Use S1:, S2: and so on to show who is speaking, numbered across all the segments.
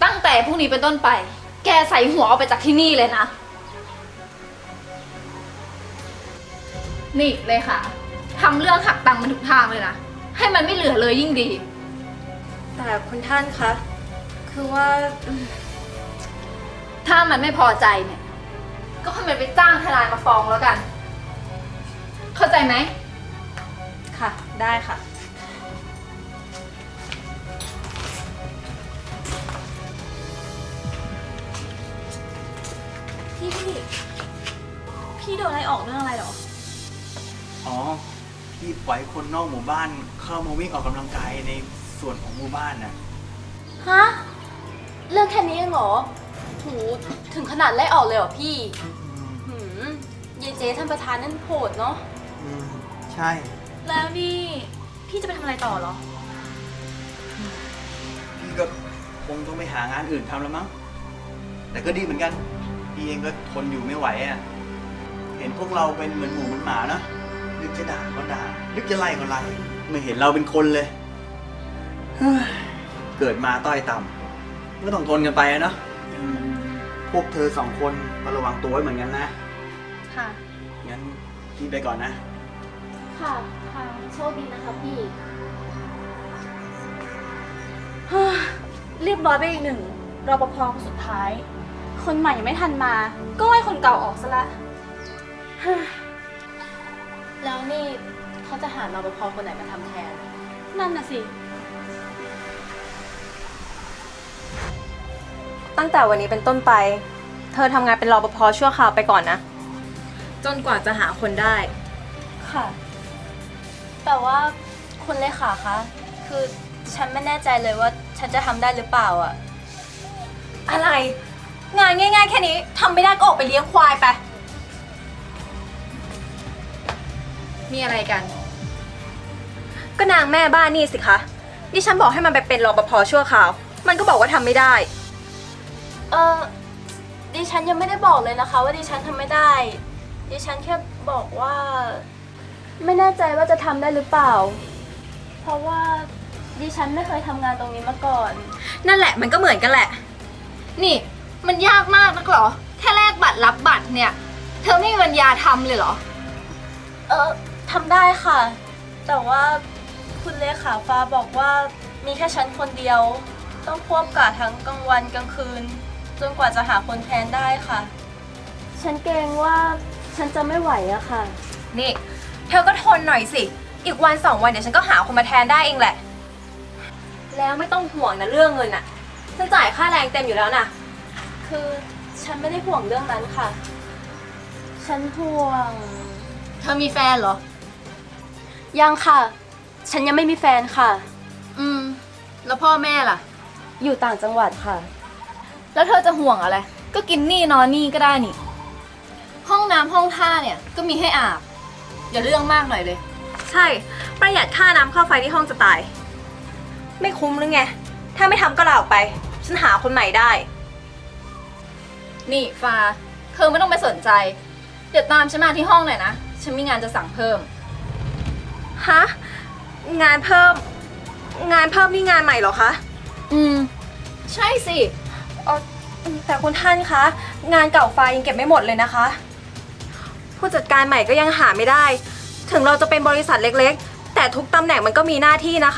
S1: ตั้งแต่พรุ่งนี้เป็นต้นไป แกใส่หัวออกไปจากที่นี่เลยนะ นี่เลยค่ะทำเรื่องหักตังค์มันทุกทางเลยนะ ให้มันไม่เหลือเลยยิ่งดี
S2: แต่คุณท่านคะคือว่า
S1: ถ้ามันไม่พอใจเนี่ย ก็ให้มันไปจ้างทนายมาฟ้องแล้วกัน เข้าใจไหม
S2: ค่ะได้ค่ะพี่โดนอะไรออกเรื่องอะไรหรอ
S3: อ๋อ พี่ปล่อยคนนอกหมู่บ้านเข้ามาวิ่งออกกำลังกายในส่วนของหมู่บ้านน่ะ
S2: ฮะเรื่องแค่นี้เองเหรอหูถึงขนาดไล่ออกเลยเหรอพี่ยายเจ๊ท่านประธานนั่นโหดเนาะ
S3: ใช่
S2: แล้วนี่พี่จะไปทำอะไรต่อเหรอ
S3: พี่ก็คงต้องไปหางานอื่นทำแล้วมั้ง แต่ก็ดีเหมือนกัน พี่เองก็ทนอยู่ไม่ไหวอ่ะ เห็นพวกเราเป็นเหมือนหมูเหมือนหมานะนึกจะด่าก็ด่า นึกจะไล่ก็ไล่ ไม่เห็นเราเป็นคนเลยเฮ้ยเกิดมาต้อยต่ำก็ต้องทนกันไปอะเนาะพวกเธอสองคนก็ระวังตัวไว้เหมือนกันนะ
S2: ค่ะ
S3: งั้นพี่ไปก่อนนะ
S2: ค่ะโชคดีนะคะพี่ เรียบร้อยไปอีกหนึ่งรปภคนสุดท้าย คนใหม่ยังไม่ทันมา ก็ไล่คนเก่าออกซะละ แล้วนี่เขาจะหารปภคนไหนมาทำแทน นั่นน่ะสิ
S4: ตั้งแต่วันนี้เป็นต้นไป เธอทำงานเป็นรปภชั่วคราวไปก่อนนะ จนกว่าจะหาคนได้
S2: ค่ะ แต่ว่าคุณเลขาคะ คือฉันไม่แน่ใจเลยว่าฉันจะทำได้หรือเปล่าอะ
S4: อะไร งานง่ายๆแค่นี้ทำไม่ได้ก็ออกไปเลี้ยงควายไป
S1: มีอะไรกัน
S4: ก็นางแม่บ้านนี่สิคะดิฉันบอกให้มันไปเป็นรปภชั่วคราว มันก็บอกว่าทำไม่ได้
S2: ดิฉันยังไม่ได้บอกเลยนะคะ ว่าดิฉันทำไม่ได้ ดิฉันแค่บอกว่า ไม่แน่ใจว่าจะทำได้หรือเปล่า เพราะว่าดิฉันไม่เคยทำงานตรงนี้มาก่อน
S4: นั่นแหละมันก็เหมือนกันแหละ
S1: นี่มันยากมากนักเหรอ แค่แลกบัตรรับบัตรเนี่ย เธอไม่มีปัญญาทำเลยเหรอ
S2: ทำได้ค่ะ แต่ว่าคุณเลขาฟ้าบอกว่ามีแค่ฉันคนเดียว ต้องควบกะทั้งกลางวันกลางคืน จนกว่าจะหาคนแทนได้ค่ะ ฉันเกรงว่าฉันจะไม่ไหวอะค่ะ
S4: นี่ เธอก็ทนหน่อยสิ อีกวันสองวันเดี๋ยวฉันก็หาคนมาแทนได้เองแหละ แล้วไม่ต้องห่วงนะเรื่องเงินอะฉันจ่ายค่าแรงเต็มอยู่แล้วนะ
S2: คือฉันไม่ได้ห่วงเรื่องนั้นค่ะ ฉันห่วง
S1: เธอมีแฟนเหรอ
S2: ยังค่ะ ฉันยังไม่มีแฟนค่ะ
S1: แล้วพ่อแม่ล่ะ
S2: อยู่ต่างจังหวัดค่ะ
S1: แล้วเธอจะห่วงอะไร ก็กินนี่นอนนี่ก็ได้นี่ ห้องน้ำห้องท่าเนี่ยก็มีให้อาบ อย่าเรื่องมากหน่อยเลย
S4: ใช่ ประหยัดค่าน้ำค่าไฟที่ห้องจะตาย ไม่คุ้มหรือไง ถ้าไม่ทำก็ลาออกไป ฉันหาคนใหม่ได้
S1: นี่ฟ้า เธอไม่ต้องไปสนใจ เดี๋ยวตามฉันมาที่ห้องหน่อยนะ ฉันมีงานจะสั่งเพิ่ม
S4: ฮะ งานเพิ่ม งานเพิ่มนี่งานใหม่เหรอคะ
S1: ใช่สิ
S4: แต่คุณท่านคะ งานเก่าไฟยังเก็บไม่หมดเลยนะคะ ผู้จัดการใหม่ก็ยังหาไม่ได้ ถึงเราจะเป็นบริษัทเล็กๆ แต่ทุกตำแหน่งมันก็มีหน้าที่นะคะ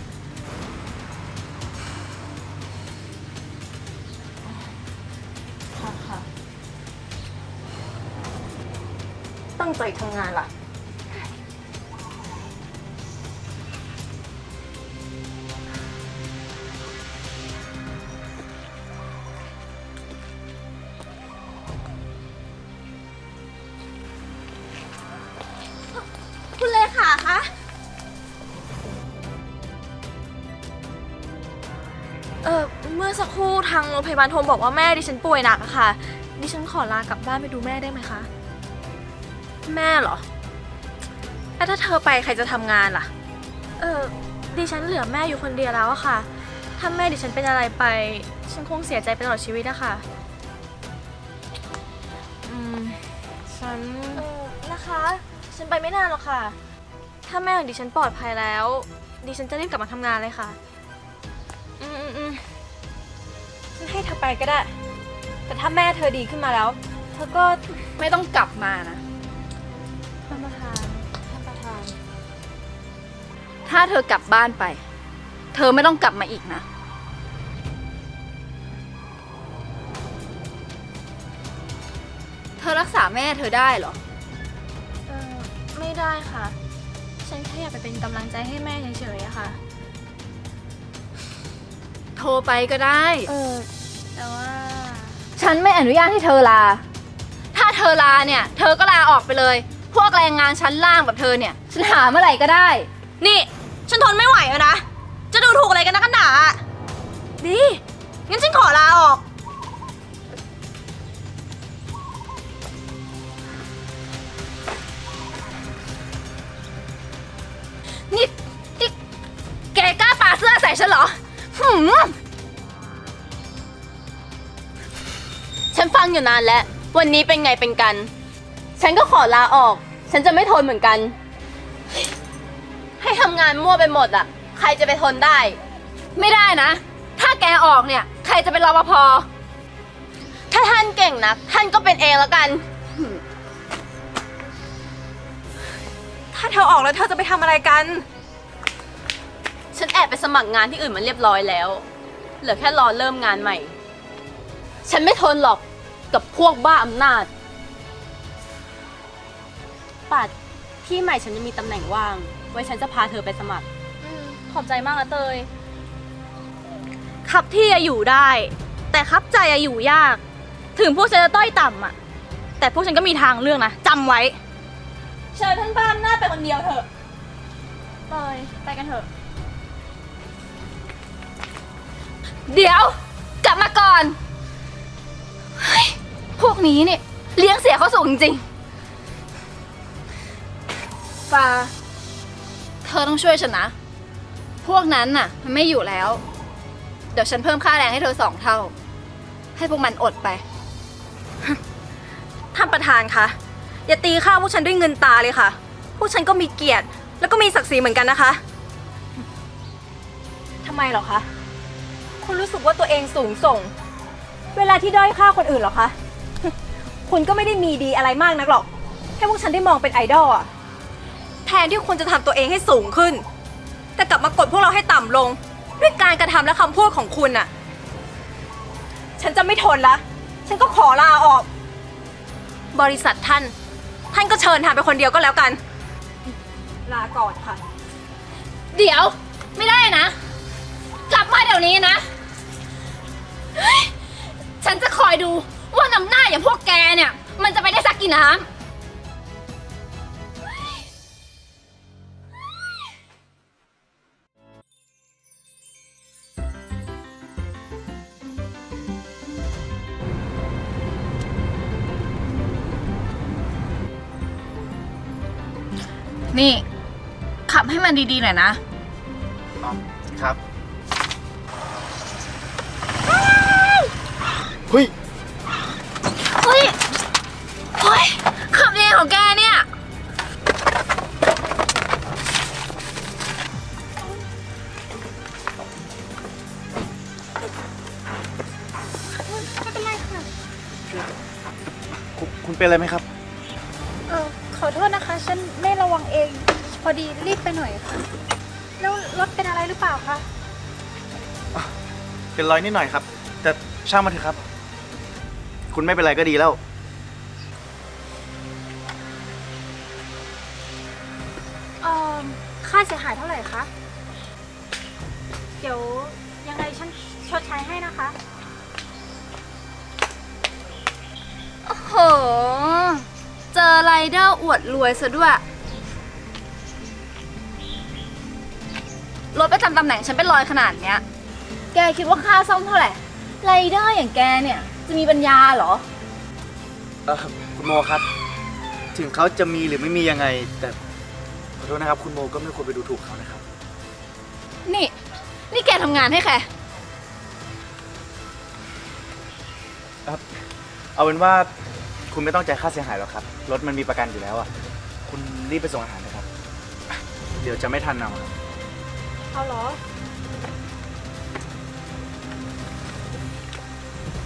S4: ตั้งใจทำงานล่ะ
S2: คุณเลขาคะ เมื่อสักครู่ทางโรงพยาบาลโทรบอกว่าแม่ดิฉันป่วยหนักอะค่ะ ดิฉันขอลากลับบ้านไปดูแม่ได้ไหมคะ
S4: แม่เหรอ แล้วถ้าเธอไปใครจะทำงานล่ะ
S2: ดิฉันเหลือแม่อยู่คนเดียวแล้วอะค่ะ ถ้าแม่ดิฉันเป็นอะไรไป ฉันคงเสียใจไปตลอดชีวิตอะค่ะ
S4: ฉัน
S2: นะคะ ฉันไปไม่นานหรอกค่ะ ถ้าแม่ของดิฉันปลอดภัยแล้ว ดิฉันจะรีบกลับมาทำงานเลยค่ะ
S4: อืม
S2: ฉ
S4: ไปก็ได้ แต่ถ้าแม่เธอดีขึ้นมาแล้ว เธอก็
S1: ไม่ต้องกลับมานะ
S4: ท่านประธาน
S1: ถ้าเธอกลับบ้านไป เธอไม่ต้องกลับมาอีกนะ เธอรักษาแม่เธอได้เหรอ
S2: ไม่ได้ค่ะ ฉันแค่อยากไปเป็นกำลังใจให้แม่เฉยๆอะค่ะ
S1: โทรไปก็ได้
S2: แต่ว่า
S1: ฉันไม่อนุญาตให้เธอลา ถ้าเธอลาเนี่ย เธอก็ลาออกไปเลย พวกแรงงานชั้นล่างแบบเธอเนี่ย ฉันหาเมื่อไหร่ก็ได้
S2: นี่ ฉันทนไม่ไหวแล้วนะ จะดูถูกอะไรกันนะกันหนาดี งั้นฉันขอลาออก
S1: นี่แกกล้าปาเสื้อใส่ฉันเหรอฉันฟังอยู่นานแล้ว วันนี้เป็นไงเป็นกัน ฉันก็ขอลาออก ฉันจะไม่ทนเหมือนกัน ให้ทำงานมั่วไปหมดอ่ะ ใครจะไปทนได้ ไม่ได้นะ ถ้าแกออกเนี่ย ใครจะเป็นรปภ ถ้าท่านเก่งนะท่านก็เป็นเองแล้วกัน
S4: ถ้าเธอออกแล้วเธอจะไปทำอะไรกัน
S1: ฉันแอบไปสมัครงานที่อื่นมันเรียบร้อยแล้ว เหลือแค่รอเริ่มงานใหม่ ฉันไม่ทนหรอกกับพวกบ้าอำนาจ ปัดที่ใหม่ฉันจะมีตำแหน่งว่าง ไว้ฉันจะพาเธอไปสมัคร
S2: ขอบใจมากนะเตย ขับที่อะอยู่ได้ แต่ขับใจอะอยู่ยาก ถึงพวกฉันจะต้อยต่ำอะแต่พวกฉันก็มีทางเลือกนะจำไว้ เชิญท่านบ้านหน้าไปคนเดียวเถอะเตยไปกันเถอะ
S1: เดี๋ยว กลับมาก่อนเฮ้ยพวกนี้เนี่ยเลี้ยงเสียเขาสูงจริงๆฟ้า เธอต้องช่วยฉันนะ พวกนั้นน่ะ มันไม่อยู่แล้ว เดี๋ยวฉันเพิ่มค่าแรงให้เธอ2 เท่า ให้พวกมันอดไป
S4: ท่านประธานคะ อย่าตีข้าวพวกฉันด้วยเงินตาเลยค่ะ พวกฉันก็มีเกียรติ แล้วก็มีศักดิ์ศรีเหมือนกันนะคะทำไมเหรอคะ คุณรู้สึกว่าตัวเองสูงส่ง เวลาที่ด้อยค่าคนอื่นเหรอคะ คุณก็ไม่ได้มีดีอะไรมากนักหรอก ให้พวกฉันได้มองเป็นไอดอลอะแทนที่คุณจะทำตัวเองให้สูงขึ้น แต่กลับมากดพวกเราให้ต่ำลง ด้วยการกระทำและคำพูดของคุณน่ะ ฉันจะไม่ทนละ ฉันก็ขอลาออก บริษัทท่านก็เชิญทำไปคนเดียวก็แล้วกัน ลาก่อนค่ะ
S1: เดี๋ยวไม่ได้นะ กลับมาเดี๋ยวนี้นะเฮ้ยฉันจะคอยดูว่าน้ำหน้าอย่างพวกแกเนี่ย มันจะไปได้สักกี่น้ำ นี่ ขับให้มันดีๆหน่อยนะ
S3: อ๋อครับเฮ้ย
S1: เฮ้ย เฮ้ย ขับยังไงของแกเนี่ย
S3: คุณเป็นอะไรไหมครับ
S2: ขอโทษนะคะ ฉันไม่ระวังเอง พอดีรีบไปหน่อยค่ะ แล้วรถเป็นอะไรหรือเปล่าคะ
S3: เป็นรอยนิดหน่อยครับ แต่ช่างมันเถอะครับ คุณไม่เป็นไรก็ดีแล้ว
S2: ค่าเสียหายเท่าไหร่คะ เดี๋ยวยังไงฉันชดใช้ให้นะคะ
S1: โอ้โห เจอไรเดอร์อวดรวยซะด้วย รถประจำตำแหน่งฉันเป็นรอยขนาดเนี้ย แกคิดว่าค่าซ่อมเท่าไหร่ ไรเดอร์อย่างแกเนี่ย จะมีปัญญาเหรอ
S3: คุณโมครับ ถึงเขาจะมีหรือไม่มียังไง แต่ขอโทษนะครับ คุณโมก็ไม่ควรไปดูถูกเขานะครับ
S1: นี่แกทำงานให้ใคร
S3: เอาเป็นว่าคุณไม่ต้องจ่ายค่าเสียหายหรอกครับ รถมันมีประกันอยู่แล้วอ่ะ คุณรีบไปส่งอาหารนะครับ เดี๋ยวจะไม่ทันเอาครับ
S2: เอาเหรอ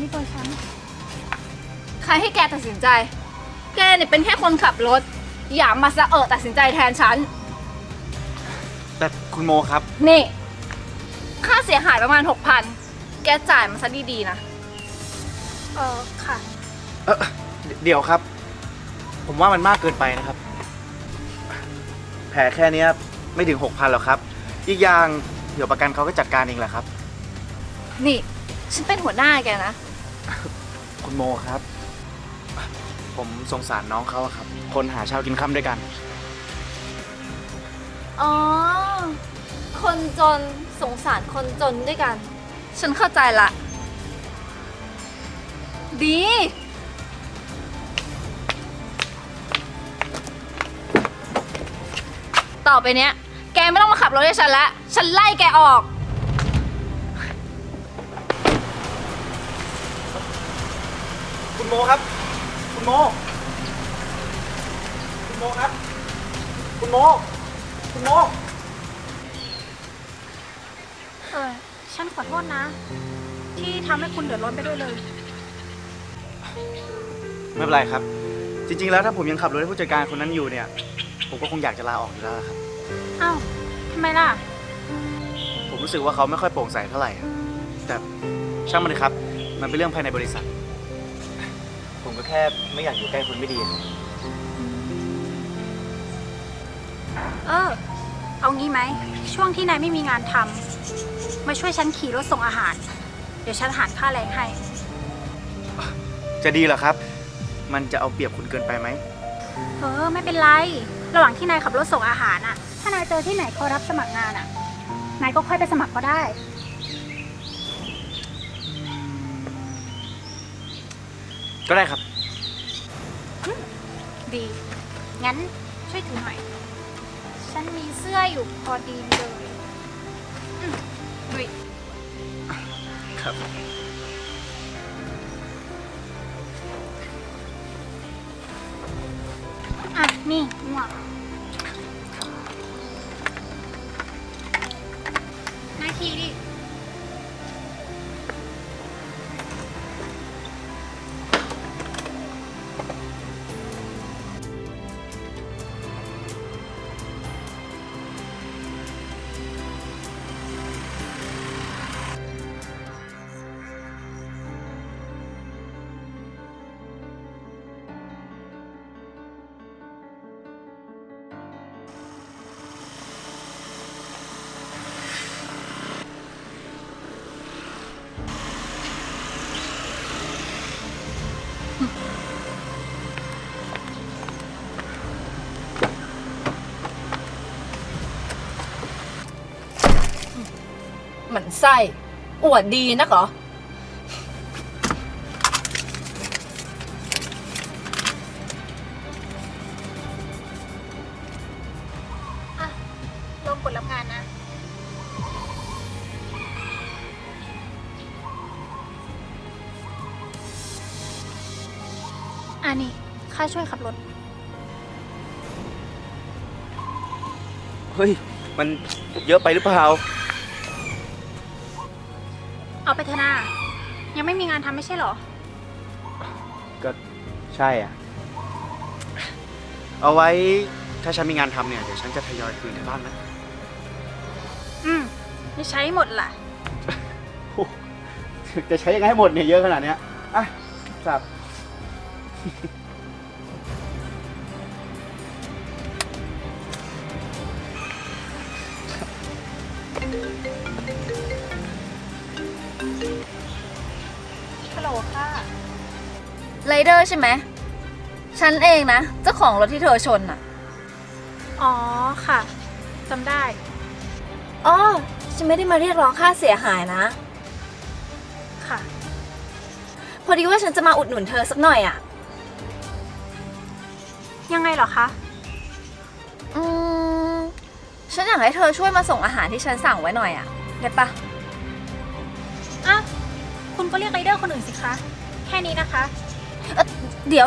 S5: นี่ตัวฉัน
S1: ใครให้แกตัดสินใจ แกเนี่ยเป็นแค่คนขับรถ อย่ามาสะตัดสินใจแทนฉัน
S3: แต่คุณโมครับ
S1: นี่ ค่าเสียหายประมาณ 6,000 แกจ่ายมาซะดีๆนะ
S5: ค่ะ
S3: เดี๋ยวครับ ผมว่ามันมากเกินไปนะครับ แผลแค่เนี้ยไม่ถึง 6,000หรอกครับ อีกอย่างเดี๋ยวประกันเขาก็จัดการเองแหละครับ
S1: นี่ ฉันเป็นหัวหน้าแกนะ
S3: คุณโมครับ ผมสงสารน้องเขาอะครับ คนหาเช้ากินค่ำด้วยกัน
S1: อ๋อ คนจนสงสารคนจนด้วยกัน ฉันเข้าใจละ ดี ต่อไปเนี้ย แกไม่ต้องมาขับรถให้ฉันละฉันไล่แกออก
S3: คุณโมครับ คุณโม คุณโมครับ คุณโม คุณโม
S5: ฉันขอโทษนะ ที่ทำให้คุณเดือดร้อนไปด้วยเลย
S3: ไม่เป็นไรครับ จริงๆ แล้วถ้าผมยังขับรถให้ผู้จัดการคนนั้นอยู่เนี่ย ผมก็คงอยากจะลาออกอยู่แล้วครับ
S5: อ้าวทำไมล่ะ
S3: ผมรู้สึกว่าเขาไม่ค่อยโปร่งใสเท่าไหร่อะแต่ช่างมันเลยครับ มันเป็นเรื่องภายในบริษัท ผมก็แค่ไม่อยากอยู่ใกล้คนไม่ดีครับ
S5: เอางี้ไหม ช่วงที่นายไม่มีงานทำมาช่วยฉันขี่รถส่งอาหาร เดี๋ยวฉันหารค่าแรงให้
S3: จะดีเหรอครับ มันจะเอาเปรียบคุณเกินไปไหม
S5: ไม่เป็นไร ระหว่างที่นายขับรถส่งอาหารน่ะ ถ้านายเจอที่ไหนเขารับสมัครงานอ่ะ นายก็ค่อยไปสมัครก็ได้
S3: ก็ได้ครับ
S5: ดี งั้นช่วยถือหน่อย ฉันมีเสื้ออยู่พอดีเลยดุย
S3: ครับ
S5: อ่ะ นี่หมวกนายขี่ดิ
S1: หมันไส้อวดดีนักเหรอ
S5: อ่ะ ลงกดรับงานนะ นี่ ค่าช่วยขับรถ
S3: เฮ้ย มันเยอะไปหรือเปล่า
S5: เอาไปเถอะนายังไม่มีงานทำไม่ใช่เหรอ
S3: ก็ใช่อ่ะ เอาไว้ถ้าฉันมีงานทำเนี่ย เดี๋ยวฉันจะทยอยคืนในบ้านนะ
S5: ไม่ใช้หมดล่ะ
S3: จะใช้ยังไงให้หมดเนี่ยเยอะขนาดเนี้ยอ่ะครับ
S5: ฮัลโหลค่ะ
S1: ไรเดอร์ใช่ไหม ฉันเองนะ เจ้าของรถที่เธอชนอ่ะ
S5: อ๋อ ค่ะ จำได้
S1: อ๋อ ฉันไม่ได้มาเรียกร้องค่าเสียหายนะ
S5: ค่ะ
S1: พอดีว่าฉันจะมาอุดหนุนเธอสักหน่อยอ่ะ
S5: ยังไงเหรอคะ
S1: ฉันอยากให้เธอช่วยมาส่งอาหารที่ฉันสั่งไว้หน่อยอ่ะ ได้ปะ
S5: อ่ะ คุณก็เรียกไรเดอร์คนอื่นสิคะ แค่นี้นะคะ
S1: เดี๋ยว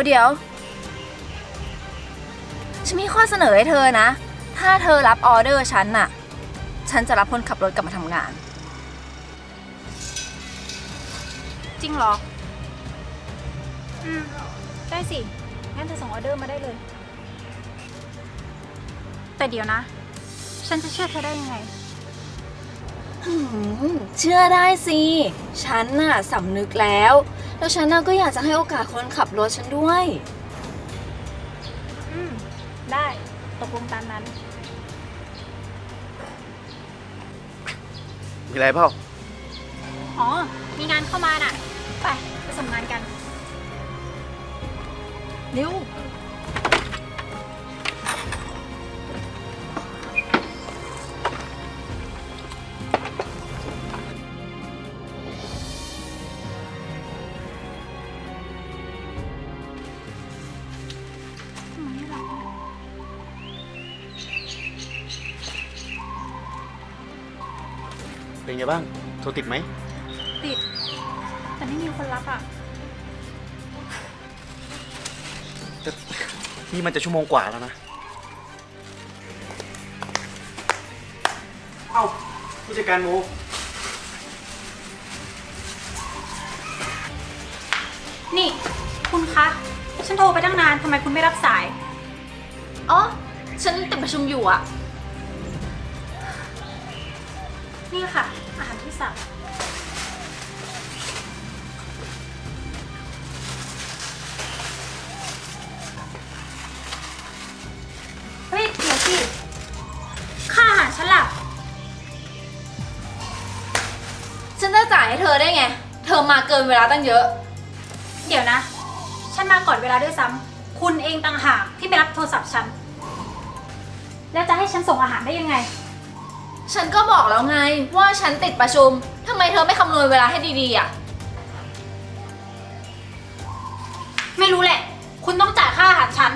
S1: ฉันมีข้อเสนอให้เธอนะ ถ้าเธอรับออเดอร์ฉันน่ะ ฉันจะรับคนขับรถกลับมาทำงาน
S5: จริงเหรอ ได้สิ งั้นเธอส่งออเดอร์มาได้เลย แต่เดี๋ยวนะ ฉันจะเชื่อเธอได้ยังไง
S1: เชื่อได้สิ ฉันน่ะสำนึกแล้ว แล้วฉันน่ะก็อยากจะให้โอกาสคนขับรถฉันด้วย
S5: ได้ตกลงตามนั้น
S3: มีอะไรเปล่า
S5: อ๋อ มีงานเข้ามาน่ะ ไปส่งงานกัน เร็ว
S3: เป็นไงบ้าง โทรติดไหม
S5: ติด แต่ไม่มีคนรับอ่ะ
S3: นี่มันจะชั่วโมงกว่าแล้วนะ เอ้าผู้จัดการโม
S5: นี่ คุณคะ ฉันโทรไปตั้งนาน ทำไมคุณไม่รับสาย
S1: อ๋อ ฉันติดประชุมอยู่อะ
S5: นี่ค่ะ อาหารที่สั่ง เฮ้ย เดี๋ยวสิ ค่าอาหารฉันล่ะ
S1: ฉันจะจ่ายให้เธอได้ไง เธอมาเกินเวลาตั้งเยอะ
S5: เดี๋ยวนะ ฉันมาก่อนเวลาด้วยซ้ำ คุณเองต่างหากที่ไม่รับโทรศัพท์ฉัน แล้วจะให้ฉันส่งอาหารได้ยังไง
S1: ฉันก็บอกแล้วไงว่าฉันติดประชุม ทำไมเธอไม่คำนวณเวลาให้ดีๆอะ
S5: ไม่รู้แหละ คุณต้องจ่ายค่าอาหารฉัน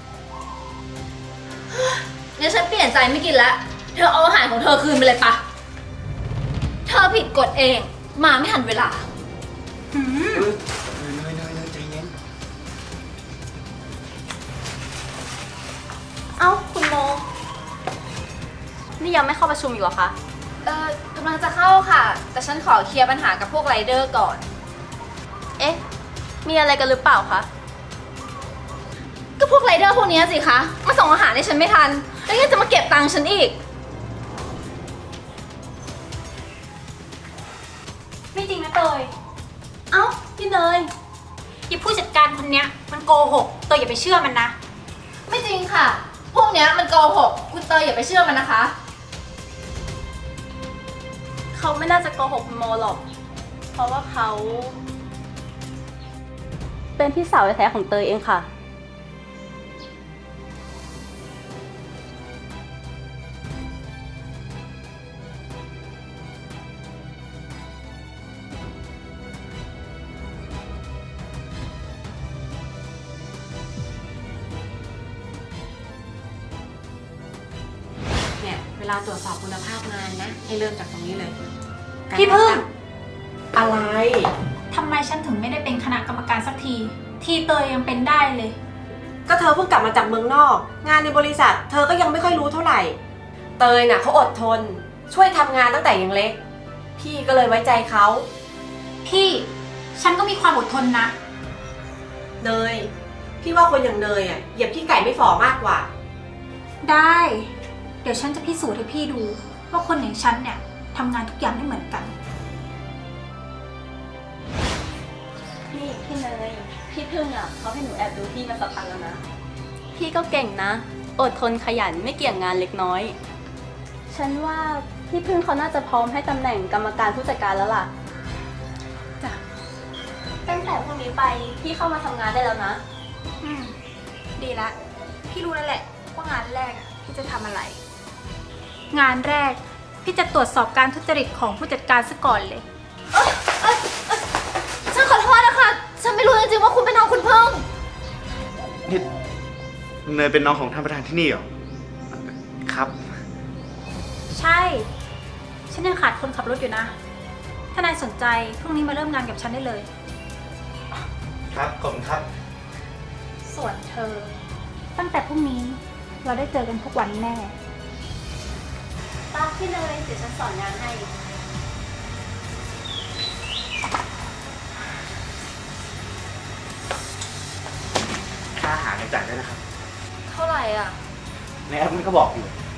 S1: งั้นฉันเปลี่ยนใจไม่กินแล้ว เธอเอาอาหารของเธอคืนไปเลยปะ เธอผิดกฎเอง มาไม่ทันเวลา
S3: เนยใจเย็น
S2: เอ้าคุณโม นี่ยังไม่เข้าประชุมอยู่เหรอคะ
S1: กำลังจะเข้าค่ะ แต่ฉันขอเคลียร์ปัญหากับพวกไรเดอร์ก่อน
S2: เอ๊ะ มีอะไรกันหรือเปล่าคะ
S1: ก็พวกไรเดอร์พวกเนี้ยสิคะ มาส่งอาหารให้ฉันไม่ทัน แล้วยังจะมาเก็บตังค์ฉันอีก
S5: ไม่จริงนะเตย
S2: เอ้า พี่เนย
S5: อีผู้จัดการคนเนี้ยมันโกหก เตยอย่าไปเชื่อมันนะ
S1: ไม่จริงค่ะ พวกเนี้ยมันโกหก คุณเตยอย่าไปเชื่อมันนะคะ
S2: เขาไม่น่าจะโกหกคุณโมหรอก เพราะว่าเขา เป็นพี่สาวแท้ๆของเตยเองค่ะ
S4: เนี่ยเวลาตรวจสอบคุณภาพงานนะ ให้เริ่มจากตรงนี้เลย
S5: พี่พึ่ง
S4: อะไร
S5: ทำไมฉันถึงไม่ได้เป็นคณะกรรมการสักที ที่เตยยังเป็นได้เลย
S4: ก็เธอเพิ่งกลับมาจากเมืองนอก งานในบริษัท เธอก็ยังไม่ค่อยรู้เท่าไหร่ เตยน่ะเขาอดทน ช่วยทำงานตั้งแต่ยังเล็ก พี่ก็เลยไว้ใจเขา
S5: พี่ ฉันก็มีความอดทนนะ
S4: เนยพี่ว่าคนอย่างเนยอ่ะเหยียบขี้ไก่ไม่ฝ่อมากกว่า
S5: ได้ เดี๋ยวฉันจะพิสูจน์ให้พี่ดู ว่าคนอย่างฉันเนี่ยทำงานทุกอย่างไม่เหมือนกัน
S2: พี่เนย พี่พึ่งอ่ะเขาให้หนูแอบดูพี่มาสักพักแล้วนะ พี่ก็เก่งนะ อดทนขยันไม่เกี่ยงงานเล็กน้อย ฉันว่าพี่พึ่งเขาน่าจะพร้อมให้ตำแหน่งกรรมการผู้จัดการแล้วล่ะ
S5: จ้ะ
S2: ตั้งแต่พรุ่งนี้ไปพี่เข้ามาทำงานได้แล้วนะ
S5: ดีละ พี่รู้แล้วแหละว่างานแรกอะพี่จะทำอะไร งานแรก พี่จะตรวจสอบการทุจริตของผู้จัดการซะก่อนเลย
S1: ฉันขอโทษนะคะ ฉันไม่รู้จริงๆว่าคุณเป็นน้องคุณเพิ่ง
S3: นี่เนยเป็นน้องของท่านประธานที่นี่เหรอ ครับ
S5: ใช่ ฉันยังขาดคนขับรถอยู่นะ ถ้านายสนใจพรุ่งนี้มาเริ่มงานกับฉันได้เลย
S3: ครับ ขอบคุณครับ
S5: ส่วนเธอ ตั้งแต่พรุ่งนี้เราได้เจอกันทุกวันแน่
S2: ตาพี่เนยเดี๋ยวฉันสอนงานให้
S6: จ่ายได้นะครับ
S1: เท่าไหร่อ่ะ
S6: ในแอปมันก็บอกอยู่